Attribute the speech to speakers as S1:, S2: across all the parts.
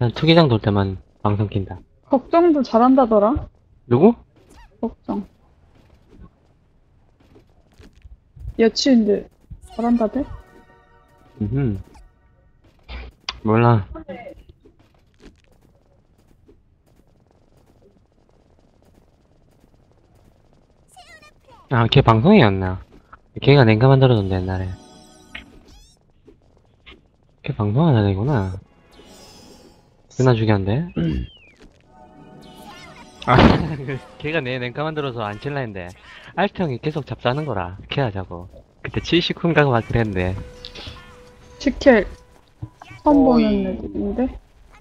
S1: 난 투기장 돌 때만 방송 킨다.
S2: 걱정도 잘한다더라.
S1: 누구?
S2: 걱정. 여친인데 잘한다대?
S1: 몰라. 아, 걔 방송이었나? 걔가 냉가 만들어줬는데, 옛날에. 걔 방송하는 애구나. 누나 죽였는데? 아, 걔가 내 냉가 만들어서 안 칠라 했는데, 알트 형이 계속 잡자는 거라. 걔 하자고. 그때 70쿤가가 막 그랬는데.
S2: 치켈 처음
S3: 어이.
S2: 보는 애들인데?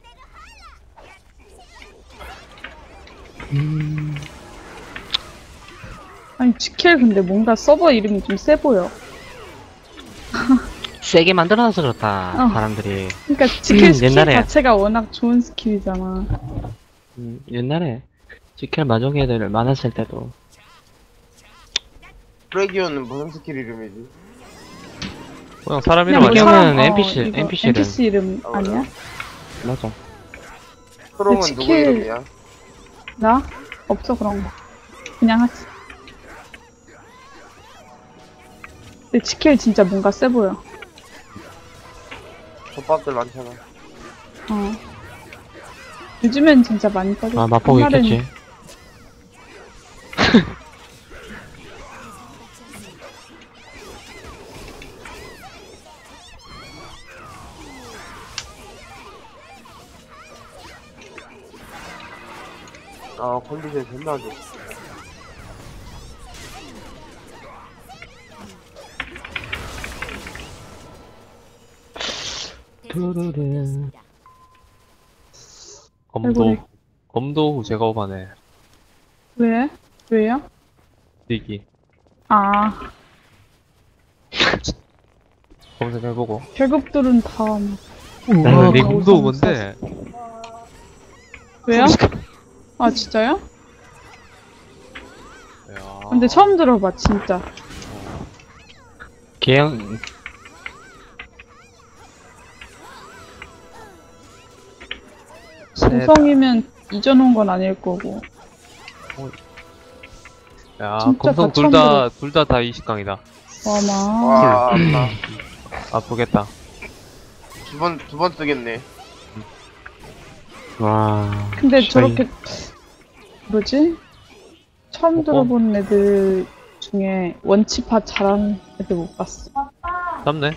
S2: 아니 치켈 근데 뭔가 서버 이름이 좀 세 보여.
S1: 세게 만들어놔서 그렇다,
S2: 어.
S1: 사람들이.
S2: 그러니까 치켈 스킬
S1: 옛날에.
S2: 자체가 워낙 좋은 스킬이잖아.
S1: 옛날에, 지켈 마족 애들 많았을 때도.
S3: 프레기온은 무슨 스킬 이름이지?
S4: 그냥 사람
S2: 그냥
S4: 이름
S2: 뭐
S4: 아니야?
S1: 사람-
S2: 사람,
S1: NPC,
S2: 이거
S1: NPC 를.
S2: NPC 이름
S3: 어,
S2: 아니야?
S1: 맞아.
S3: 크롱은
S2: 스킬-
S3: 누구 이름이야?
S2: 나? 없어 그런 거. 그냥 하지. 근데 치켈 진짜 뭔가 세 보여.
S3: 덮밥들 많잖아.
S2: 어. 요즘엔 진짜 많이 빠져.
S1: 아, 맛보고
S2: 옛날엔
S1: 있겠지.
S3: 아, 컨디션 존나 안 좋아.
S1: 두루루.
S4: 검도 검도 제거반에
S2: 왜? 왜요?
S4: 뛰기
S2: 아,
S4: 검색해보고.
S2: 결국들은 다.
S1: 나는
S4: 네
S2: 어,
S4: 검도
S2: 우선
S4: 뭔데?
S2: 왜요? 아, 진짜요?
S4: 야.
S2: 근데 처음 들어봐, 진짜.
S1: 걔형,
S2: 정성이면 잊어놓은 건 아닐 거고.
S4: 야
S2: 진짜
S4: 검성
S2: 다
S4: 둘 다 20강이다.
S2: 와마.
S3: 와, 나
S4: 아프겠다.
S3: 두 번 쓰겠네.
S1: 와.
S2: 근데
S1: 씨발,
S2: 저렇게, 뭐지? 처음 들어본 애들 중에 원치파 잘하는 애들 못 봤어.
S4: 잡네.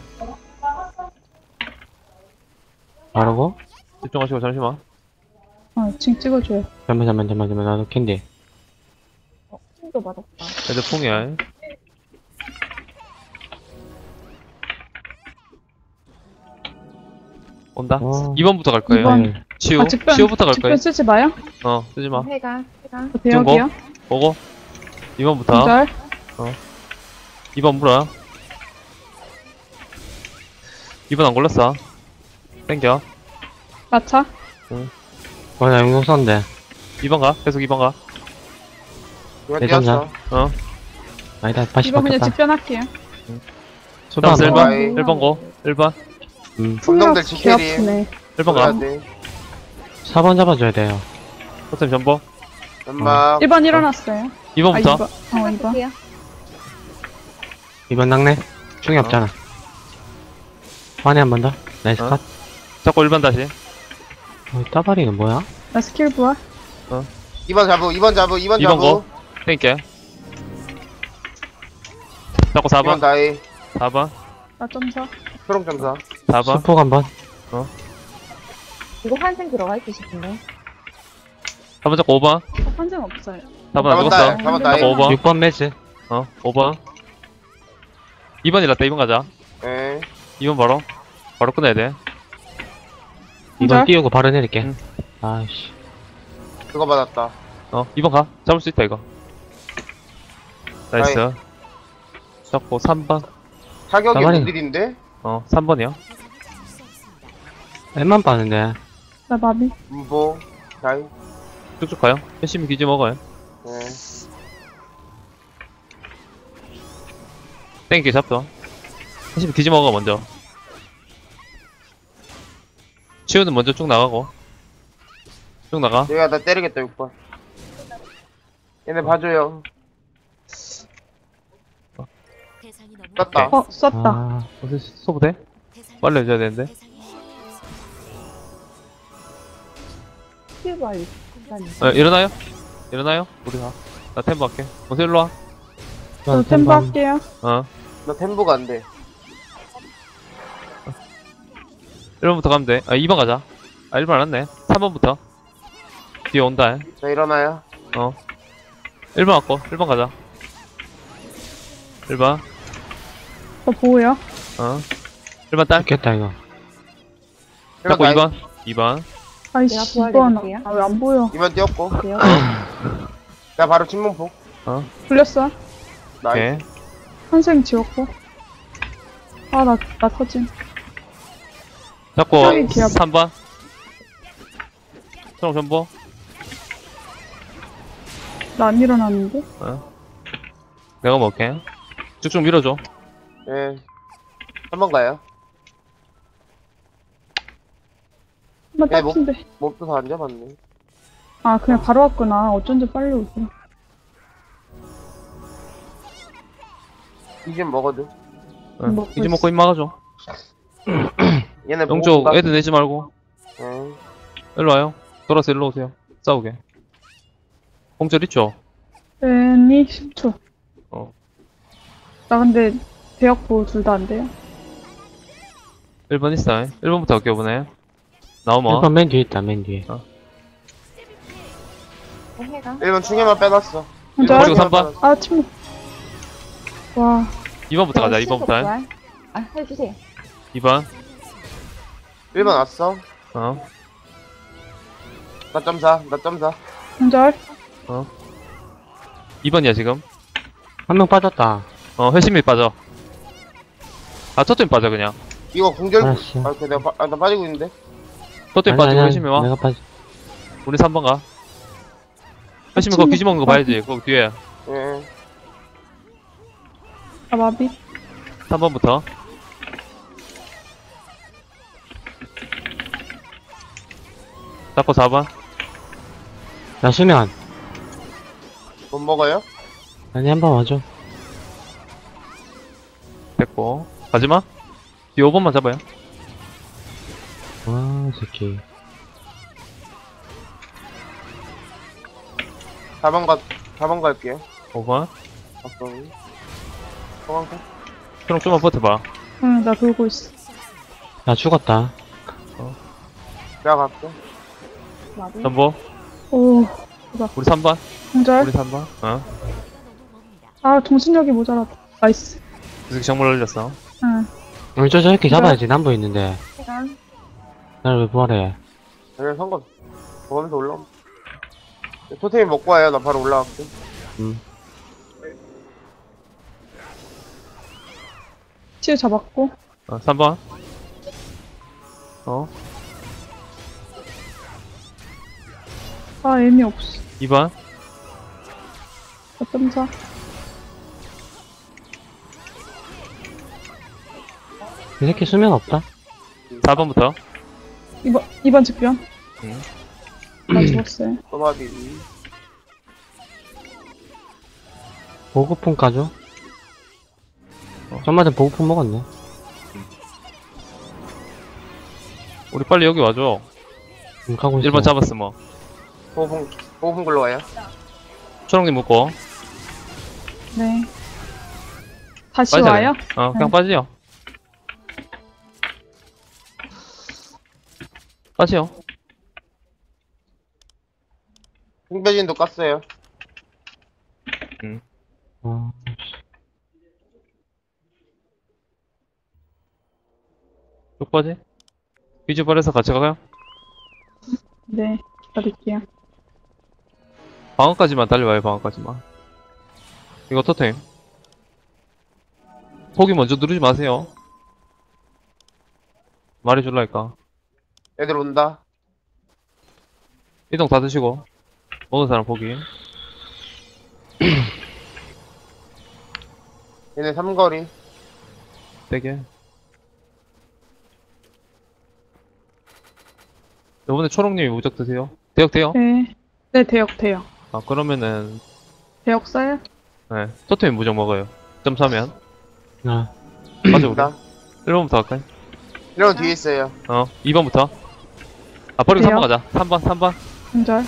S1: 바르고?
S4: 집중하시고 잠시만.
S2: 징 찍어줘요.
S1: 잠깐만, 나도 캔디.
S2: 도 맞았다.
S4: 애들 풍이야. 온다.
S1: 어.
S4: 2번부터 갈 거예요.
S2: 이번.
S4: 치우.
S2: 아, 직변,
S4: 치우부터 갈 거예요.
S2: 직변 쓰지 마요?
S4: 쓰지 마.
S5: 해가
S2: 저 대역이요?
S4: 보고. 2번부터.
S2: 기절.
S4: 2번 물어. 2번 안 걸렸어. 땡겨.
S2: 마차.
S1: 나 영웅 썼는데.
S4: 2번 가. 계속 2번 가.
S3: 누가
S1: 대전자.
S3: 뛰었어?
S1: 아니다, 다시
S2: 이번 그냥
S1: 바뀌었다.
S2: 직변할게요.
S4: 초반
S1: 번.
S4: 1번. 1번 고. 1번.
S3: 분명들
S2: 개
S3: 치켈이.
S2: 아프네.
S4: 1번
S3: 가야
S4: 가.
S3: 돼.
S1: 4번 잡아줘야 돼요.
S4: 호템 전보.
S3: 연막.
S2: 1번 일어났어요.
S4: 2번부터.
S2: 2번. 2번.
S1: 2번 낙내? 중이
S4: 어.
S1: 없잖아. 환에 한 번 더. 나이스
S4: 어.
S1: 컷.
S4: 잡고 1번 다시.
S1: 따바리는 뭐야?
S2: 나 스킬 부활.
S3: 2번 잡우, 2번 잡우, 2번
S4: 2번 고.
S3: 잡우.
S4: 땡겨. 잡고
S3: 2번
S4: 4번.
S3: 다이.
S4: 4번.
S2: 나 점사.
S3: 초롱 점사.
S4: 4번.
S1: 수폭 한 번.
S5: 이거 환생 들어가 있고 싶은데
S4: 4번 잡고 5번.
S2: 환생 없어요.
S4: 4번 안
S3: 4번
S4: 죽었어.
S3: 다이. 4번 다이.
S4: 잡고 5번.
S1: 6번 매즈.
S4: 5번. 2번 일났다. 2번 가자.
S3: 예.
S4: 2번 바로. 바로 끝내야 돼.
S1: 2번
S2: 기절.
S1: 띄우고 바로 내릴게.
S4: 응.
S1: 아이씨.
S3: 그거 받았다.
S4: 2번 가. 잡을 수 있다, 이거. 나이스.
S3: 아이.
S4: 잡고 3번.
S3: 타격이
S1: 가만히.
S3: 무딜인데?
S4: 3번이요.
S1: 앱만 빠는데.
S2: 나 마비.
S3: 문보. 다이.
S4: 쭉쭉 가요. 열심히 기지 먹어요.
S3: 예.
S4: 땡기 잡죠. 열심히 기지 먹어, 먼저. 치우는 먼저 쭉 나가고. 쭉 나가.
S3: 얘가 나 때리겠다 6번. 얘네 봐줘요. 떴다.
S2: 썼다.
S1: 아,
S4: 어디 소부 돼? 빨리 해줘야 되는데.
S5: 큐발.
S4: 일어나요? 일어나요? 우리 가. 나 템포 할게. 어서 일로 와.
S2: 저 템버 할게요.
S4: 어.
S3: 나 템보가 안 돼.
S4: 1번부터 가면 돼. 2번 가자. 1번 안 왔네. 3번부터. 뒤에 온다.
S3: 자 일어나요.
S4: 1번 왔고. 1번 가자. 1번.
S2: 저 보호요.
S4: 1번 딸.
S1: 죽겠다, 이거.
S4: 잡고
S3: 일어나.
S4: 2번. 2번.
S2: 아이씨,
S5: 내가
S2: 2번.
S5: 도와드릴게요.
S2: 아, 왜 안 보여?
S3: 2번 뛰었고.
S5: 돼요?
S3: 나 바로 침문폭.
S2: 불렸어.
S3: 나이스.
S4: 오케이.
S2: 환생 지웠고. 아, 나 터짐.
S4: 잡고
S2: 저기 기압.
S4: 3번. 초록 전보.
S2: 나 안 일어났는데?
S4: 내가 먹을게. 쭉쭉 밀어줘.
S3: 예. 3번 가요.
S2: 한번
S3: 야, 뭐-
S2: 딱인데.
S3: 몹도 다 안 잡았네.
S2: 아, 그냥 바로 왔구나. 어쩐지 빨리 오지.
S3: 이좀 먹어도.
S2: 먹고
S4: 이제 먹고 입 막아줘.
S3: 얘네
S4: 영쪽
S3: 먹을까?
S4: 애들 내지 말고.
S3: 예.
S4: 일로 와요. 돌아서 일로 오세요. 싸우게. 공절 있죠?
S2: 괜히 10초.
S4: 어.
S2: 나 근데 대역보 둘 다 안 돼요.
S4: 1번 있어. 1번부터 할게요, 이번에. 나오면.
S1: 1번 맨 뒤에 있다, 맨 뒤에.
S5: 해가.
S3: 1번 충혈만 빼놨어.
S2: 혼자?
S4: 그리고 3번.
S2: 아, 침묵. 와,
S4: 2번부터 가자, 2번부터.
S5: 아, 해주세요.
S4: 2번.
S3: 1번 왔어.
S4: 어.
S3: 나 점사. 나 점사.
S2: 혼절.
S4: 2번이야, 지금.
S1: 한 명 빠졌다.
S4: 회심이 빠져. 토템 빠져, 그냥.
S3: 이거 공절.
S1: 알았어.
S3: 아, 오케이, 나 빠지고 있는데.
S4: 토템 빠지고 회심이 와.
S1: 내가 빠지.
S4: 우리 3번 가. 회심이 그거 뒤집어먹은 거 봐야지, 거기 뒤에.
S3: 예.
S2: 아, 마비.
S4: 3번부터. 잡고 4번.
S1: 나 수면.
S3: 못 먹어요?
S1: 아니, 한 번 와줘.
S4: 됐고. 가지마. 뒤에 5번만 잡아요.
S1: 와, 이 새끼.
S3: 4번 갈게요.
S4: 5번.
S3: 봤어. 소방차.
S4: 초록 좀만 버텨봐.
S2: 응, 나 돌고 있어.
S1: 나 죽었다.
S3: 내가 갈게.
S5: 마비.
S4: 전보.
S2: 오,
S4: 우리 3번.
S2: 혼절.
S4: 우리 3번.
S2: 아, 정신력이 모자라다. 나이스.
S4: 계속 정물 올렸어.
S2: 응.
S1: 우리 저렇게 잡아야지, 남부 있는데.
S5: 해가.
S1: 나를 왜 부활해?
S3: 그냥 상관. 보면서 올라오면. 토템이 먹고 와요. 나 바로 올라갈게.
S2: 치유 잡았고.
S4: 3번.
S2: 아, 의미 없어.
S4: 2번.
S2: 어떤사?
S1: 이 새끼 수면 없다?
S4: 4번부터.
S2: 2번 직변.
S4: 응.
S2: 나 죽었어요.
S3: 소마비.
S1: 보급품 까줘? 전마든 보급품 먹었네.
S4: 우리 빨리 여기 와줘.
S1: 가고 있어.
S4: 1번 잡았어, 뭐.
S3: 보호풍 글로 와요.
S4: 초록님 묶고.
S2: 네. 다시
S4: 빠져야
S2: 와요?
S4: 그냥
S2: 네.
S4: 빠지요. 빠지요.
S3: 흑배진도 깠어요.
S1: 어,
S4: 쭉 빠지. 비주발에서 같이 가요.
S2: 네. 기다릴게요.
S4: 방어까지만 달려와요, 방어까지만. 이거 토템. 포기 먼저 누르지 마세요. 말해줄라니까.
S3: 애들 온다.
S4: 이동 다 드시고. 먹은 사람 포기.
S3: 얘네 삼거리.
S4: 되게. 요번에 초록님이 무적 드세요. 대역 돼요?
S2: 네. 네, 대역.
S4: 아, 그러면은,
S2: 대역 써요?
S4: 네. 토템이 무적 먹어요. 점 3면.
S1: 아,
S4: 맞아, 우리.
S3: 나
S4: 1번부터 갈까요?
S3: 이런 뒤에 있어요.
S4: 2번부터. 아, 버리고
S2: 돼요?
S4: 3번 가자. 3번.
S2: 한절.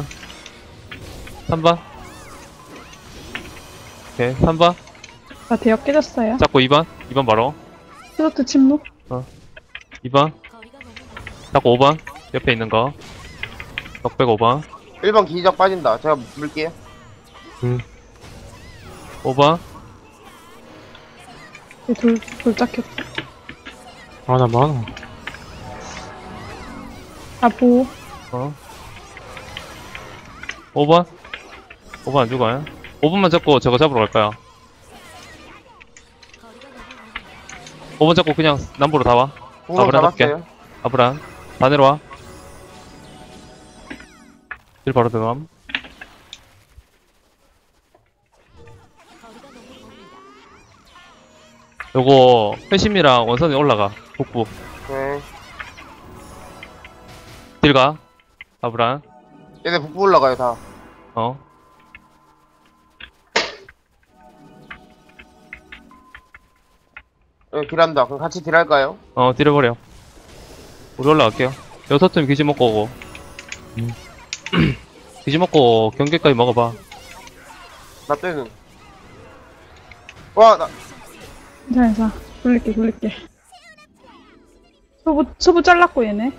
S4: 3번. 오케이, 3번.
S2: 나 대역 깨졌어요.
S4: 잡고 2번. 2번 바로.
S2: 스로트 침묵.
S4: 2번. 잡고 5번. 옆에 있는 거. 덕백 5번.
S3: 1번 기적 빠진다. 제가 물게요.
S4: 5번.
S2: 돌짝 켰다.
S1: 아, 나 많아.
S2: 나 보호.
S4: 5번. 5번 안 죽어요. 5번만 잡고 저거 잡으러 갈까요? 5번 잡고 그냥 남부로 다 와.
S3: 공성
S4: 아브란 잡게.
S3: 잡았어요.
S4: 아브란. 다 내려와. 일 바로 들어감. 요거 회심이랑 원선이 올라가. 북부.
S3: 네.
S4: 딜 가. 아브란.
S3: 얘네 북부 올라가요, 다. 네, 딜한다. 그럼 같이 딜할까요?
S4: 딜해버려. 우리 올라갈게요. 여섯 팀 기지 먹고 오고. 기지 먹고 경계까지 먹어봐.
S3: 나 때는. 와, 나,
S2: 괜찮아. 돌릴게. 소부 잘랐고, 얘네.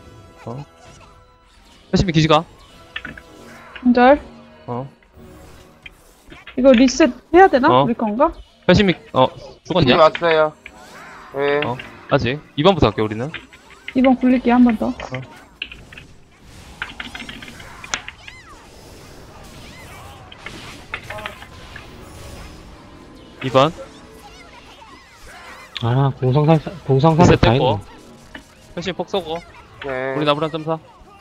S4: 회심이 기지 가.
S2: 한절. 이거 리셋 해야 되나? 우리 건가?
S4: 회심이,
S3: 기지
S4: 죽었냐?
S3: 왔어요. 네.
S4: 아직. 2번부터 할게, 우리는.
S2: 2번 굴릴게, 한 번 더.
S4: 2번.
S1: 아, 공성사를
S4: 리셋
S1: 다
S4: 됐고.
S1: 했네.
S4: 회심이 폭 쏘고.
S3: 네.
S4: 우리 나무란 점사.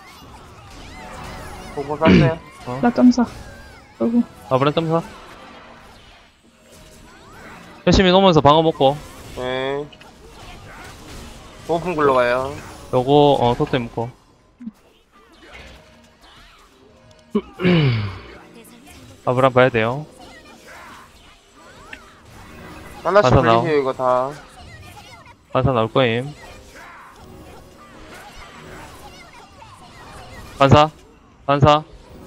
S3: 보고 쐈어요.
S2: 나 점사. 그리고
S4: 나무란 점사. 회심이 놓으면서 방어 먹고.
S3: 네. 오픈 굴러가요.
S4: 요거, 토템 먹고. 아브람 봐야 돼요.
S3: 하나씩
S4: 가서 나와.
S3: 불리세요, 이거 다.
S4: 반사 나올 거임. 반사.
S2: 아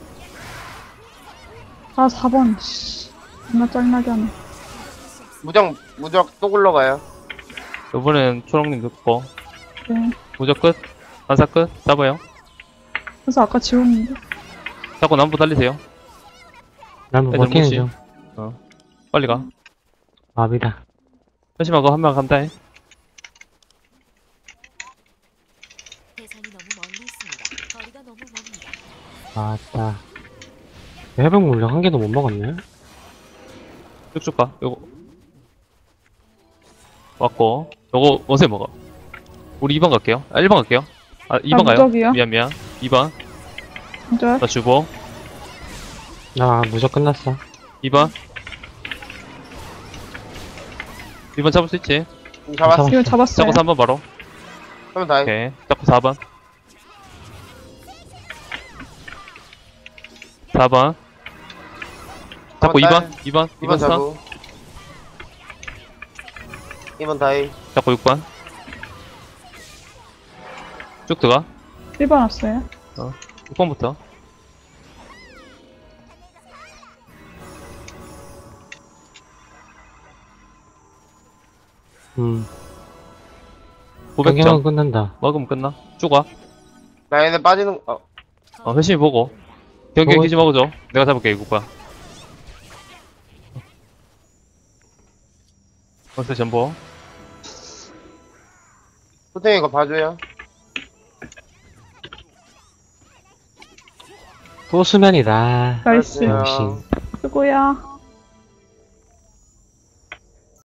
S2: 4번. 씨. 존나 짜증나게 하네.
S3: 무적 또 굴러가요.
S4: 요번엔 초롱님 듣고.
S2: 네.
S4: 무적 끝. 반사 끝. 잡아요.
S2: 그래서 아까 지웠는데.
S4: 자꾸 남부 달리세요.
S1: 난 뭐
S4: 애들
S1: 버티는
S4: 무시.
S1: 중.
S4: 빨리 가.
S1: 마비다.
S4: 회심하고 한 명 간다.
S6: 대상이 너무 멀리 있습니다. 거리가 너무 멉니다.
S1: 아따. 해병 물량 한 개도 못 먹었네.
S4: 쭉쭉 가. 요거. 왔고. 요거 원세 먹어. 우리 2번 갈게요. 1번 갈게요. 2번 가요.
S2: 무적이요?
S4: 미안. 2번.
S2: 한절.
S4: 나 주보.
S1: 나 무적 끝났어.
S4: 2번. 2번 잡을 수 있지.
S3: 잡았어.
S2: 이거 잡았어요.
S4: 잡고 3번 바로.
S3: 그러면 다 해.
S4: 오케이. 잡고 4번. 4번. 잡고 2번. 2번.
S3: 2번
S4: 2번 스턴.
S3: 잡고. 2번 다이.
S4: 잡고 6번. 쭉 들어가.
S2: 1번 왔어요.
S4: 6번부터.
S1: 경기만
S4: 500점.
S1: 끝난다.
S4: 먹으면 끝나. 쭉 와.
S3: 나 얘네 빠지는,
S4: 회심이 보고. 경기
S1: 보고
S4: 기지 먹어줘. 내가 잡을게, 이거 봐. 원스 전보.
S3: 소탱이 이거 봐줘요.
S1: 또 수면이다.
S2: 나이스.
S3: 알았어요.
S1: 역시.
S2: 수고야.